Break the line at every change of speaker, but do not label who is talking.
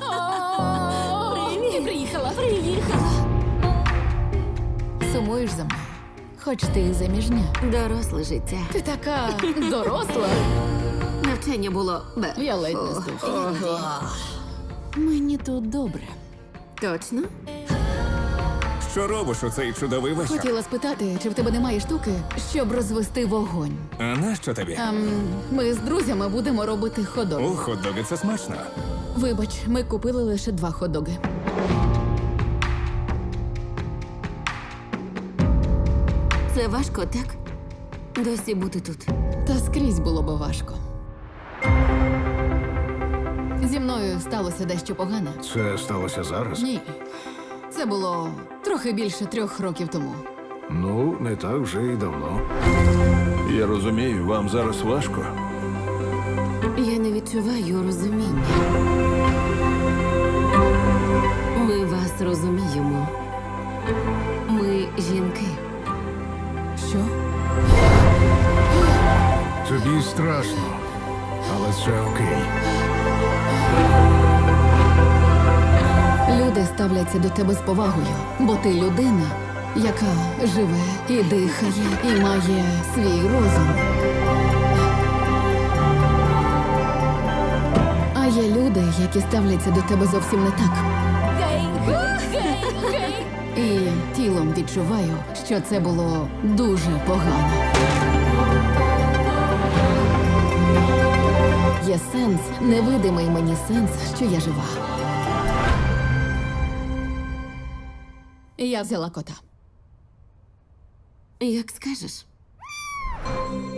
Привіт.
Приїхала.
Сумуєш за мною? Хоч ти і заміжня.
Доросле життя.
Ти така доросла.
Навчання було бе.
Я ледь не здохла. Мені тут добре.
Точно?
Що робиш у цей чудовий вечір?
Хотіла спитати, чи в тебе немає штуки, щоб розвести вогонь.
А нащо тобі?
Ми з друзями будемо робити ходок.
У хот-доги це смачно.
Вибач, ми купили лише 2 хот-доги.
Це важко, так? Досі бути тут.
Та скрізь було би важко. Зі мною сталося дещо погане.
Це сталося зараз?
Ні. Це було трохи більше 3 років тому.
Ну, не так вже й давно.
Я розумію, вам зараз важко.
Я не відчуваю розуміння. Ми вас розуміємо. Ми жінки.
Що?
Тобі страшно, але це окей.
Люди ставляться до тебе з повагою, бо ти людина, яка живе і дихає, і має свій розум. А є люди, які ставляться до тебе зовсім не так. І тілом відчуваю, що це було дуже погано. Є сенс, невидимий мені сенс, що я жива. І я взяла кота.
Як скажеш.